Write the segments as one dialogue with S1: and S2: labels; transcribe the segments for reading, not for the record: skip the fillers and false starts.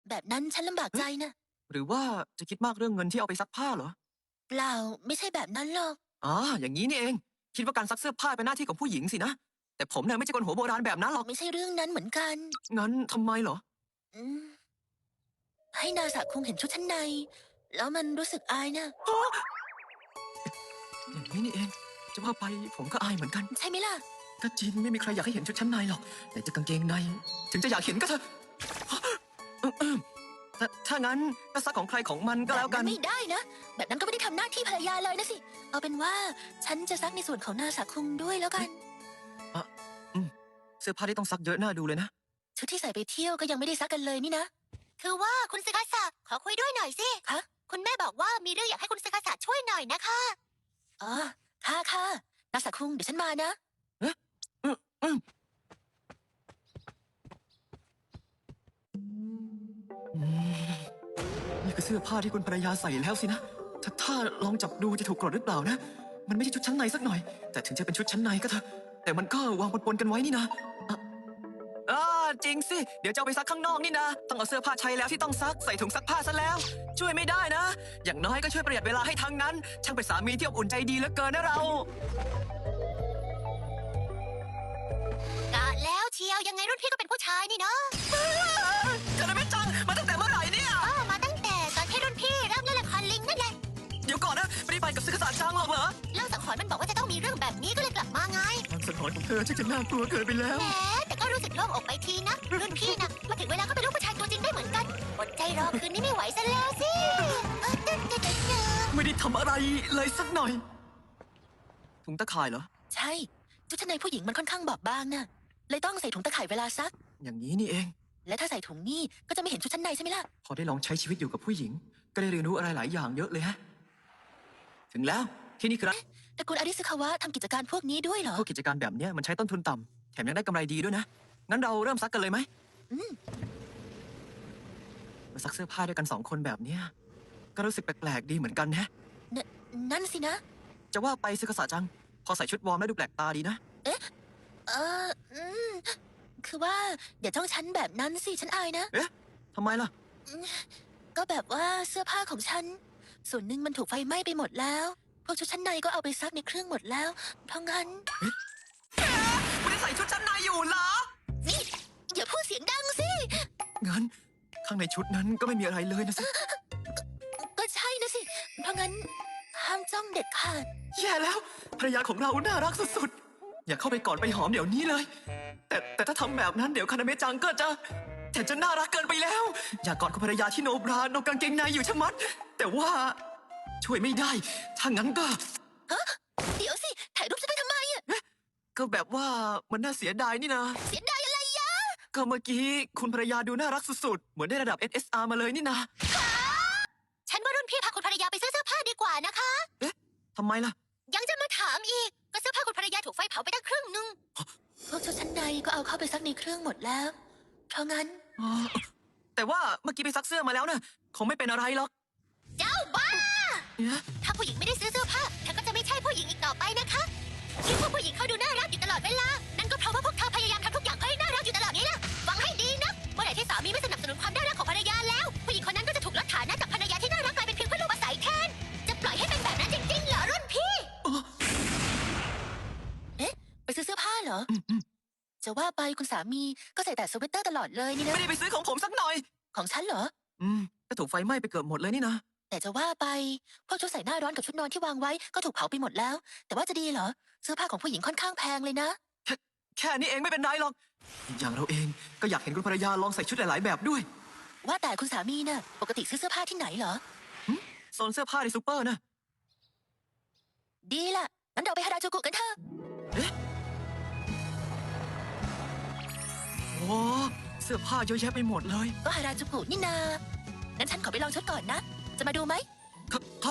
S1: แบบนั้นฉันลำบากใจนะ
S2: หรือว่าจะคิดมากเรื่องเงินที่เอาไปซักผ้าเหรอ
S1: เปล่าไม่ใช่แบบนั้นหรอก
S2: อ๋ออย่างนี้นี่เอง คิดว่าการซักเสื้อผ้าเป็นหน้าที่ของผู้หญิงสินะ แต่ผมเนี่ยไม่ใช่คนหัวโบราณแบบนั้นหรอก
S1: ไม่ใช่เรื่องนั้นเหมือนกัน
S2: งั้นทำไมเหรอ
S1: อืมให้นาสะคงเห็นชุดชั้นใน แล้วมันรู้สึกอายนะ
S2: อย่างนี้นี่เอง จะว่าไปผมก็อายเหมือนกัน
S1: ใช่ไหมล่ะ
S2: ก็จริงไม่มีใครอยากให้เห็นชุดชั้นในหรอก แต่จะกางเกงใน ถึงจะอยากเห็นก็เถอะถ้างั้นก็ซักของใครของมันก็แล้วกัน
S1: ไม่ได้นะ แบบนั้นก็ไม่ได้ทำหน้าที่ภรรยาเลยนะสิ เอาเป็นว่าฉันจะซักในส่วนของนาสะคุงด้วยแล้วกัน
S2: เสื้อผ้าที่ต้องซักเยอะน่าดูเลยนะ
S1: ชุดที่ใส่ไปเที่ยวก็ยังไม่ได้ซักกันเลยนี่นะ
S3: คือว่าคุณซึกาสะขอคุยด้วยหน่อยสิ
S1: คะ
S3: คุณแม่บอกว่ามีเรื่องอยากให้คุณซึกาสะช่วยหน่อยนะคะ
S1: อ๋อค่ะนาสะคุงเดี๋ยวฉันมานะ
S2: นี่คือเสื้อผ้าที่คุณภรรยาใส่แล้วสินะ ถ้าลองจับดูจะถูกกรดหรือเปล่านะ มันไม่ใช่ชุดชั้นในสักหน่อย แต่ถึงจะเป็นชุดชั้นในก็เถอะ แต่มันก็วางปนๆกันไว้นี่นะจริงสิ เดี๋ยวจะเอาไปซักข้างนอกนี่นะ ต้องเอาเสื้อผ้าใช้แล้วที่ต้องซักใส่ถุงซักผ้าซะแล้ว ช่วยไม่ได้นะ อย่างน้อยก็ช่วยประหยัดเวลาให้ทั้งนั้น ช่างเป็นสามีที่อบอุ่นใจดีเหลือเกินนะเรา
S3: กะแล้วเชียวยังไงรุ่นพี่ก็เป็นผู้ชายนี่เนาะ
S2: จะได้ไม่จัง มาตั้งแต่เมื่อไหร่เนี่ย
S3: มาตั้งแต่ตอนที่รุ่นพี่เริ่มเล่นละครลิงนั่นแหละ
S2: เดี๋ยวก่อนนะ ไม่ได้ไปกับซึกษาจังหรอกเหรอ
S3: เรื่องสังหรณ์มันบอกว่าจะต้องมีเรื่องแบบนี้ก็เลยกลับมาไง
S2: ความสังหรณ์ของเธอช่างจะน่ากลัวเกินไปแล้ว
S3: แหมแต่ก็รู้สึกโล่งอกไปทีนะ รุ่นพี่นะมาถึงเวลาก็เป็นลูกผู้ชายตัวจริงได้เหมือนกันอดใจรอคืนนี้ไม่ไหวซะแล้วสิตึ๊ดตึ๊ดตึ๊ดตึ๊ด
S2: ไม่ได้ทำอะไรเลยสักหน่อย ถุงตะข่ายเหรอ
S1: ใช่ชุดชั้นในผู้หญิงมันค่อนข้างบอบบางนะเลยต้องใส่ถุงตะข่ายเวลาซัก
S2: อย่างนี้นี่เอง
S1: และถ้าใส่ถุงนี่ก็จะไม่เห็นชุดชั้นในใช่ไหมล่ะ
S2: พอได้ลองใช้ชีวิตอยู่กับผู้หญิง ก็ได้เรียนรู้อะไรหลายอย่างเยอะเลยฮะ ถึงแล้วที่นี่คือร้าน
S1: แต่คุณอาริสคาวะทำกิจการพวกนี้ด้วยเหรอ
S2: พวกกิจการแบบเนี้ยมันใช้ต้นทุนต่ำแถมยังได้กำไรดีด้วยนะ งั้นเราเริ่มซักกันเลยไหม
S1: อืม
S2: มาซักเสื้อผ้าด้วยกัน2 คนแบบเนี้ยก็รู้สึกแปลกๆดีเหมือนกันนะ
S1: นั่นสินะ
S2: จะว่าไปซึกษาจัง พอใส่ชุดวอร์มแล้วดูแปลกตาดีนะ
S1: เอออืมคือว่าอย่าจ้องฉันแบบนั้นสิฉันอายนะ
S2: เอ๊ะทำไมล่ะ
S1: ก็แบบว่าเสื้อผ้าของฉัน ส่วนหนึ่งมันถูกไฟไหม้ไปหมดแล้ว พวกชุดชั้นในก็เอาไปซักในเครื่องหมดแล้ว เพราะงั้น
S2: ไม่ได้ใส่ชุดชั้นในอยู่เหรอ
S1: นี่อย่าพูดเสียงดังสิ
S2: งั้นข้างในชุดนั้นก็ไม่มีอะไรเลยนะสิ
S1: ก็ใช่นะสิ เพราะงั้นห้ามจ้องเด็ดขาด
S2: แย่แล้วภรรยาของเราน่ารักสุดๆ อย่าเข้าไปกอดไปหอมเดี๋ยวนี้เลย แต่ถ้าทำแบบนั้นเดี๋ยวคานาเมะจังก็จะแต่จะน่ารักเกินไปแล้ว อยากกอดคุณภรรยาที่โนบราโนกางเกงในอยู่ชะมัด แต่ว่าช่วยไม่ได้ ถ้างั้นก็
S1: เดี๋ยวสิถ่ายรูปฉันไปทำไมอะ
S2: ก็แบบว่ามันน่าเสียดายนี่นะ
S1: เสียดายอะไรยะ
S2: ก็เมื่อกี้คุณภรรยาดูน่ารักสุดๆ เหมือนได้ระดับ SSR มาเลยนี่นะ
S3: ฉันว่ารุ่นพี่พาคุณภรรยาไปซื้อเสื้อผ้าดีกว่านะคะ
S2: เอ๊ะทำไมล่ะ
S3: ยังจะมาถามอีก ก็เสื้อผ้าคุณภรรยาถูกไฟเผาไปตั้งครึ่งนึง
S1: พวกชุดชั้นในก็เอาเข้าไปซักในเครื่องหมดแล้ว เพราะงั้น
S2: อ๋อแต่ว่าเมื่อกี้ไปซักเสื้อมาแล้วนะคงไม่เป็นอะไรหรอก
S3: เจ้าบ้า
S2: เนี่ย
S3: ถ้าผู้หญิงไม่ได้ซื้อเสื้อผ้าเธอก็จะไม่ใช่ผู้หญิงอีกต่อไปนะคะที่พวกผู้หญิงเขาดูน่ารักอยู่ตลอดเวลา นั่นก็เพราะว่าพวกเธอพยายามทำทุกอย่างเพื่อให้น่ารักอยู่ตลอดนี้ล่ะฟังให้ดีนะเมื่อไหร่ที่สามีไม่สนับสนุนความน่ารักของภรรยาแล้ว ผู้หญิงคนนั้นก็จะถูกลดฐานะจากภรรยาที่น่ารักกลายเป็นเพียงเพื่อนร่วมอาศัยแทน จะปล่อยให้เป็นแบบนั้นจริงๆเหรอรุ่นพี่
S1: ไปซื้อเสื้อผ้าเหรอ จะว่าไปคุณสามีก็ใส่แต่สเวตเตอร์ตลอดเลยนี่นะ
S2: ไม่ได้ไปซื้อของผมสักหน่อย
S1: ของฉันเหรอ
S2: ก็ถูกไฟไหม้ไปเกือบหมดเลยนี่นะ
S1: แต่จะว่าไปพวกชุดใส่หน้าร้อนกับชุดนอนที่วางไว้ก็ถูกเผาไปหมดแล้ว แต่ว่าจะดีเหรอ เสื้อผ้าของผู้หญิงค่อนข้างแพงเลยนะ
S2: แค่นี้เองไม่เป็นไรหรอก อย่างเราเองก็อยากเห็นคุณภรรยาลองใส่ชุดหลายๆแบบด้วย
S1: ว่าแต่คุณสามีน่ะปกติซื้อเสื้อผ้าที่ไหนเหรอ
S2: โซนเสื้อผ้าในซูเปอร์นะ
S1: ดีล่ะงั้นเราไปฮาราจูกุกันเถอะ
S2: โอ้เสื้อผ้าเยอะแยะไปหมดเลย
S1: ก็ฮาราจูกุนี่นางั้นฉันขอไปลองชุดก่อนนะ จะมาดูไหม
S2: ครับ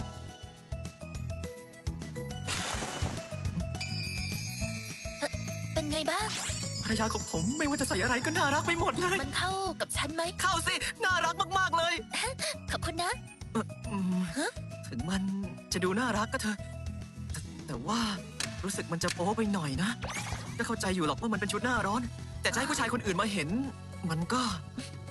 S1: เป็นไงบ้าง
S2: ภรรยาของผมไม่ว่าจะใส่อะไรก็น่ารักไปหมดเลย
S1: มันเข้ากับฉันไหม
S2: เข้าสิ น่ารักมากๆเลย
S1: ขอบคุณนะ ฮะ
S2: ถึงมันจะดูน่ารักก็เถอะแต่ว่ารู้สึกมันจะโป๊ไปหน่อยนะ ก็เข้าใจอยู่หรอกว่ามันเป็นชุดหน้าร้อน แต่จะให้ผู้ชายคนอื่นมาเห็น มันก็